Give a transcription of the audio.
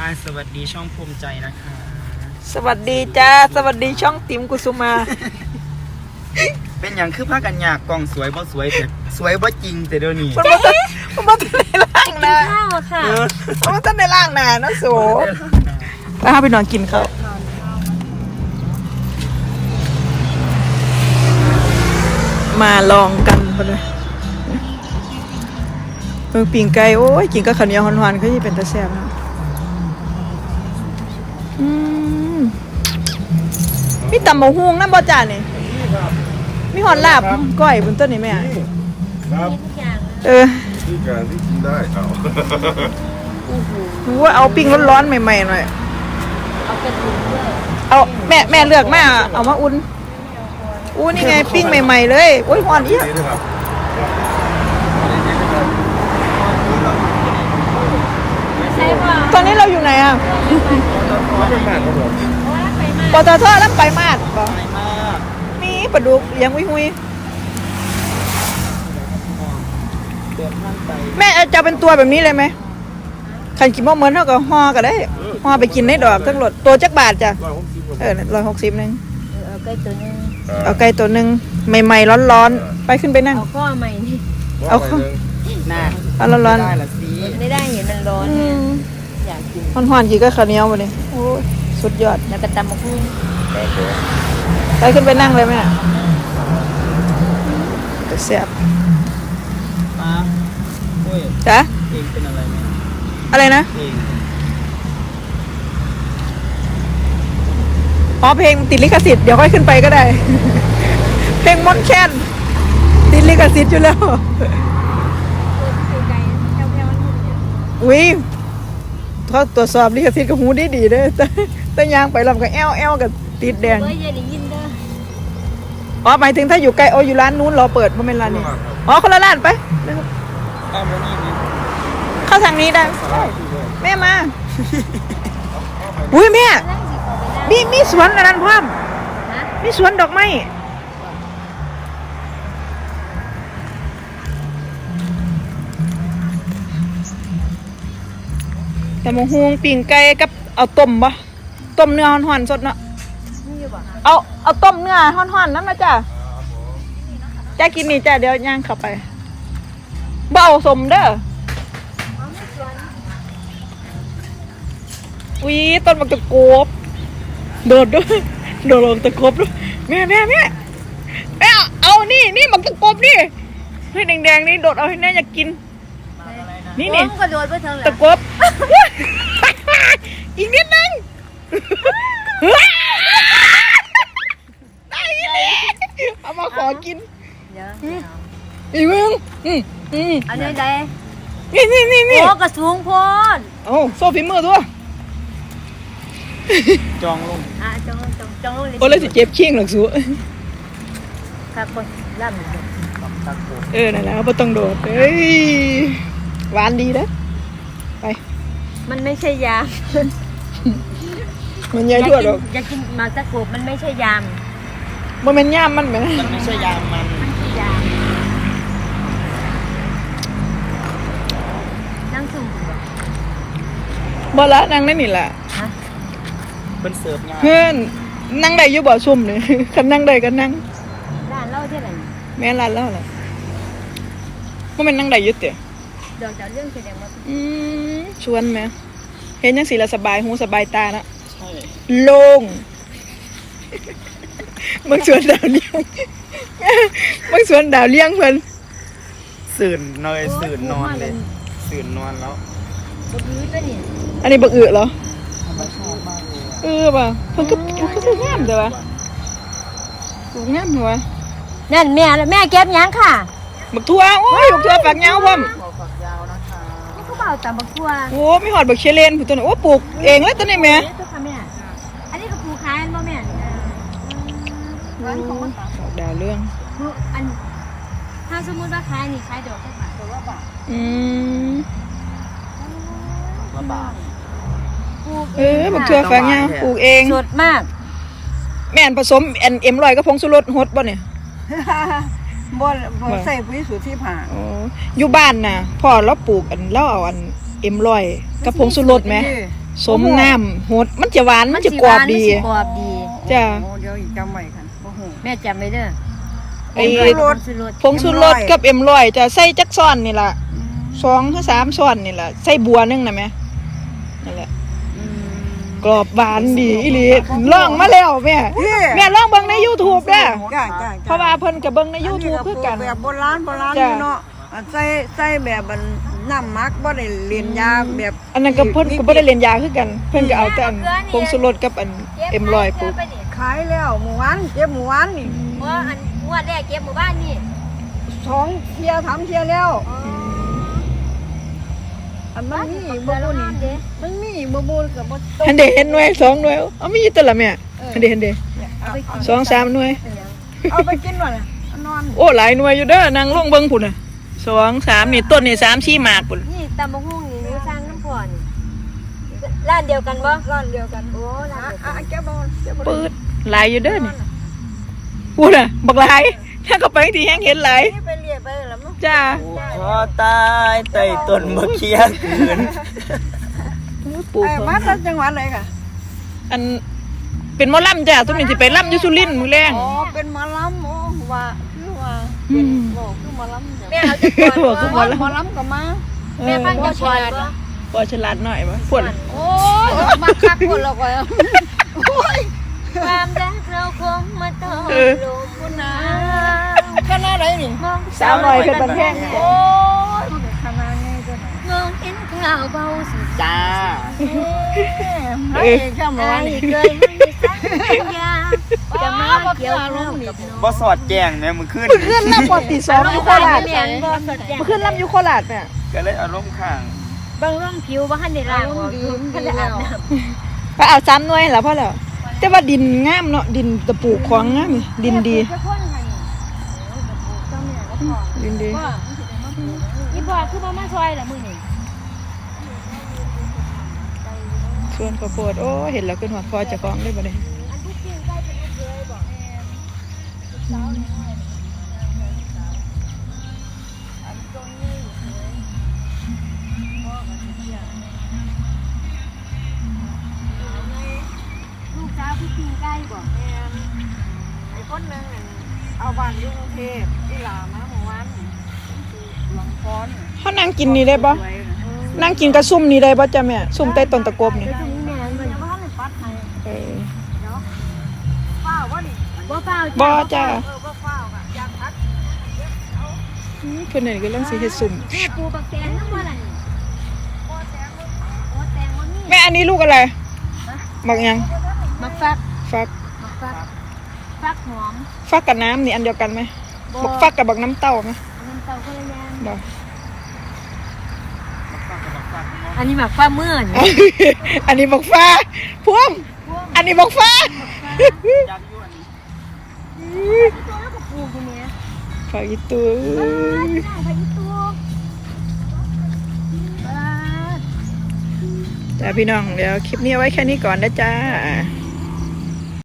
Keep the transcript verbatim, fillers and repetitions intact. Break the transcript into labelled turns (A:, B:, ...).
A: สวัสดีช่องภูมิใจนะคะ
B: สวัสดีจ้าสวัสดีช่องติ๋มกุสุมา
A: เป็นอย่างคือผ้ากันยากกล่องสวยบ่สวยแต่สวยบ่จริงแต่เดี๋ยวนี้
B: มันมามันมาตั้งในล่างนะ
C: ข้าวค่ะ
B: มันมาตั้งในล่างนะน้องโสไปหาไปนอนกินข้าวมาลองกันไปเลยเมืองปิ่งไก่โอ้ยกินกับข้าวเหนียวหวานๆก็ยิ่งเป็นตาแซ่บนะอืมมีตำบักหุ่งน้ำบ่จ่านี่มีหอนลาบก้อยบนต้นนี่แม่
D: ครับ
B: เออ
D: ที่การที่กินได้เอา
B: รู้ว่าเอาปิ้งร้อนๆใหม่ๆหน่อย
C: เอาเป็นถุงด้วย
B: เอาแม่แม่เลือกมาเอามาอุ่นอู้นี่ไงปิ้งใหม่ๆเลยโอ้ยหอนอีกตอนนี้เราอยู่ไหนอ่ะปตทแล้วไปมาดบอกมีปลาดุกยังหุยหุยแม่จะเป็นตัวแบบนี้เลยไหมขันกินมะเหมือนเท่ากับห่อก็ได้ห่อไปกินในดอกทั้งหมดตัวจักบาทจ้ะเออร้อยหกสิบนึง
C: เอาไก่ตัวนึง
B: เอาไก่ตัวนึงใหม่ๆร้อนๆไปขึ้นไปนั่ง
C: เอาข้อใหม่นี่
B: เอาข้อ
A: หน้า
B: เอาร้อน
A: ๆได้ละสิ
C: ไม่ได้เห็นมันร้อนไงอยากกิน
B: หอนๆกี่ก็ข้าวเหนียวมาเลยโอ้ยสุดยอด
C: แล้วก็ตำมะพร้าว
B: ไปขึ้นไปนั่งเลยแม่จะแซ่บ
A: มาโอ้ย
B: จ๊ะ
A: เองเป็นอะไรเนี่ย
B: อะไรนะ
A: เอง
B: อ๋อเพลงติดลิขสิทธิ์เดี๋ยวค่อยขึ้นไปก็ได้ เพลงมอนแคนติดลิขสิทธิ์อยู่แล้วอุ้ยเขาตรวจสอบลิขสิทธิ์กับหูดีดีเลยแต่แต่ยางไปลำกับแอลแอลกับติดแดงอ๋อหมายถึงถ้าอยู่ไกลโออยู่ร้านนู้นรอเปิดเพราะเป็นร้านนี้อ๋อคนละร้านไปเข้าทางนี้ได้แม่มาอุ้ยแม่มีมีสวนอะไรนั่นพ่อมมีสวนดอกไม้แต่มะฮวงปิ่งไก่กับเอาต้มปะต้มเนื้อห่อนๆสดเนาะเอาเอาต้มเนื้อห่อนๆนั่นนะจ้ะจ้ากินนี่จ้ะเดี๋ยวย่างเข้าไปเบาสมเด้ออุ้ยต้นมันจะโกบโดดด้วยโดดลงตะกบด้วยแม่แม่แม่แม่เอานี่นี่มันตะกบนี่เฮ้ยแดงๆนี่โดดเอาให้แม่อยากกินนี่นี่ตะกบอีกนิดนึงได้เลยเอามาขอกินอีมึงอืมอืม
C: อันนี้ได้
B: นี่นี่นี่นี่
C: โอ้กระสูงพน
B: โอ้โซ่ฝีมือตัว
A: จองลง
C: อ่ะจองลงจองจองลงเลย
B: โอ้เลยสิเจ็บเคียงหรอกสู
C: ครับคนล่ำ
B: เออนั่นแหละไม่ต้องโดดเฮ้ยหวานดีนะไป
C: มันไม่ใช่ยา
B: มันใหญ่ทั่วหรอก
C: อยากกินหมากตะกบมันไม่ใช่ยาม
B: มันเป็นย่ามมันไหม
A: มันไม่ใช่ยามมัน
C: มันคือยามนั่งสุ่ม
B: บ่ละนั่งได้นี่แหละ
A: เป็นเสิร์ฟงาน
B: เพื่อนนั่งได้อยู่บ่ซุ่มเลยคันนั่งได้ก็นั่ง
C: ร้านเล่าที่ไหน
B: แม่ร้านเล่าเหรอว่ามันนั่งได้อยู่เต๋อ
C: เดี๋ยวจะเรื่องแสดงว่า
B: อืมชวนไหมเห็นยังสีละสบายหูสบายตานะ
A: ใช่
B: โล่งบางสวนดาวเลี้ยงบางสวนดาวเลี้ยงเพื่อน
A: สื่นนอนสื่นนอนเลยสื่นนอนแล้ว
C: บักอื้อตัวนี้
B: อันนี้บักอื้อเหรอเออป่ะเพิ่นก็เพิ่นก็งามแต่ว่าถูกงามหัว
C: นั่นแม่แม่เก็บยังค่ะ
B: บักทั่วโอ้ยบักทั่วฝักยาวพ่อม
A: ฝักยาวนะคะ
C: นี่เขาบอกแต่บักทั่ว
B: โอ้ไม่หอดบักเชเลนผู้ตัวนี้โอ้ปลูกเองเลยตัวนี้แม่
C: อันนี้ก็ปลูกขายบ่แม่ร้านของมัน
B: ดาวเรื่อง
C: อันถ้าสมมติว่าขายนี่ขายดอกแค่บาทดอกละบาท
B: อืม
A: ละบาท
B: เออบักทั่วฝักยาวปลูกเอง
C: สดมาก
B: แม่นผสมแอนเอ็มลอยกับผงชูรสฮดบ่เนี่ย
E: บ่บ่ใส่ปุ๋ยสูตรที่ผ่า
B: อ๋ออยู่บ้านน่ะพ่อเราปลูกอันเราเอาอันเอ็มลอยกับผงชูรสไหมสมน้ำหดมันจะหวานมันจะกรอบดี
C: มันสิกรอบดี
B: จ้ะ
E: โอ้เดี๋ยวอีกจำไว้ค่ะโอ้โห
C: แม่จำไว้เด้อ
B: ไอ้
C: ผงชูรส
B: ผงชูรสกับเอ็มร้อยจะใส่จักซ้อนนี่ล่ะสองถึงสามซ้อนนี่ล่ะใส่บัวนึงนะแม่นั่นแหละกรอบหวานดีอีหลีลองมาแล้วแม่แม่ลองเบิ่งใน YouTube เด้อ
E: จ้าจ้า
B: เพราะว่าเพิ่นก็เบิ่งใน YouTube คือกัน
E: แบบโบราณโบราณอยู่เนาะอันใส่ใส่แบบมันน้ำมักบ่ได้เลียนยาแบบ
B: อันนั้นก็เพิ่นก็บ่ได้เรียนยาคือกัน เพิ่นก็เอาแต่อันผงชูรสกับอันเอ็มร้อยปุ๊บ
E: ขายแล้วหมู่วานเก็บหมู่วานนี่
C: ว่าอันงวดแรกเก็บหมู่บ้านนี่
E: สองเที่ยวสามเที่ยวแล้วอันมันมีบ่บุญนี่มันมีบ่บุญกับบ่ต
B: หันเดเห็นหน่วยสองหน่วยเอามีอยู่ตัวละแม่หันเดเห็นเดสองสามหน่วย
E: เอาไปกินหน่อยนอน
B: โอ้หลายหน่วยอยู่เด้อนางลงเบิ่งพุ่นน่ะสองสามนี่ต้นนี่สามสี่หมากพุ่น
C: นี่ตำบักหุ่งนี่หนูสร้างน้ำพรนี่ร้านเดียวกันบ่
E: ร้านเดียวกัน
C: โอ้ร้าน
E: อ่ะ
C: เดียวกัน
E: อ่ะเก็บบ่เก็บบ่
B: ปืดหลายอยู่เด้อนี่พุ่นน่ะบักหลายถ้าก็ไปที่แห้งเห็นหลาย
E: นี่ไปเรียไปแล้วมั้ง
B: จ้า
A: ขอตายใต้ต้นมะเขือคืน
B: ปลูก
E: เอ้ยมาจากจังหวัดไหนค่ะ
B: อันเป็นหมอลำจ้ะทุกนี้สิไปลำอยู่สุรินทร์มื้อแรง
E: อ๋อเป็นหมอลำโอ้ว่าคือว่าเป็นบอกคือหมอลำ
C: แม่เอาจะก่อน
B: บอกคือหมอล
E: หมอลำก็มา
B: ำ
C: แม่ฟังจะก่อนบ่
B: พอฉลาดหน่อยบ่พุ่น
E: โอ้ยมาคักคนละก่อยโอ้ย
C: ความรักเราคงมาต้องลง
E: คุณนะคณะไหนนี่
C: มอง
B: สาวหน่อยเป็นบันแพง
E: โอ้ยคณะไงจ้ะ
C: มองเห็นข่าวเบาสุด
A: จ้า
E: เฮ้ยข้าม
C: ใจ
E: ร้านนี่
C: เคยให้สัญญาจะมาเกี่ยวข้าวกับน้อง
A: บ่สอดแจ้งแม่มึงขึ้น
B: ขึ้นลำปอตีสองอยู่โคราช
C: แม่บ่สดแจ้ง
B: มาขึ้นลำอยู่โคราชเนี่ย
A: ก็เลยอารมณ์ข้าง
C: บางร่องผิวบ่ทันได้ล้างออกทันได้อาบน้ำ
B: ไปเอาซ้ำหน่วยแล้วพ่อแล้วแต่ว่าดินงามเนาะดินตะปูของงามนี่ดินดี
C: จะพ่นให้เจ้าแม่ก็พอ
B: ดินดี
C: ว่าอีบ่คือบ่มาซอยล่ะมื้อนี้
B: ส่วนข้าวโพดโอ้เห็นแล้วขึ้นหัวคอเจะฟ้าของได้บ่ได้
C: อันที่จริงใกล้เป็นลูกเคยบอกลูกสาวพี่จริงใกล้บอก
E: ไอ้คนนึงเอาบ้านอยู่กรุงเทพที่ลามาเมื่อวานหลวงพร
B: เฮานั่งกินนี่ได้บ่นั่งกินกระซุ่มนี่ได้บ่จ้ะแม่ซุ่มใต้ต้นตะกบนี่
C: ตรงนี้แม่มัน
E: ยังไม่ทันได้ปัดให้
B: เออ
E: ป้าว่านี่
C: บ่เปล่า
B: บ่จ้ะ
E: เออบ่เฝ้าค่ะอยากพัด
B: อืมเพิ่นนี่กำลังสิเฮ็ดซุ่ม
C: แม่ปูบักแตงน้ำบ่ล่ะนี่โอ้แตงบ่มี
B: แม่อันนี้ลูกอะไรบักหยัง
C: มักฟัก
B: ฟัก
C: มักฟักฟักหอม
B: ฟักกับน้ำนี่อันเดียวกันไหมบักฟักกับบักน้ำเต้าไหม
C: น้ำเต้าก็ละอย่าง
B: บ่
C: อันนี้หมักฟ้ามื่น
B: อันนี้บักฟ้าพวงอันนี้บักฟ้า
A: อยากอยู่อันนี้
C: ตัวแล้วก็ปลูกอยู่เนี่ย
B: ฝากอีตัว
C: บ้านไปอีตัวบ้าน
B: จ้าพี่น้องเดี๋ยวคลิปนี้เอาไว้แค่นี้ก่อนนะจ้า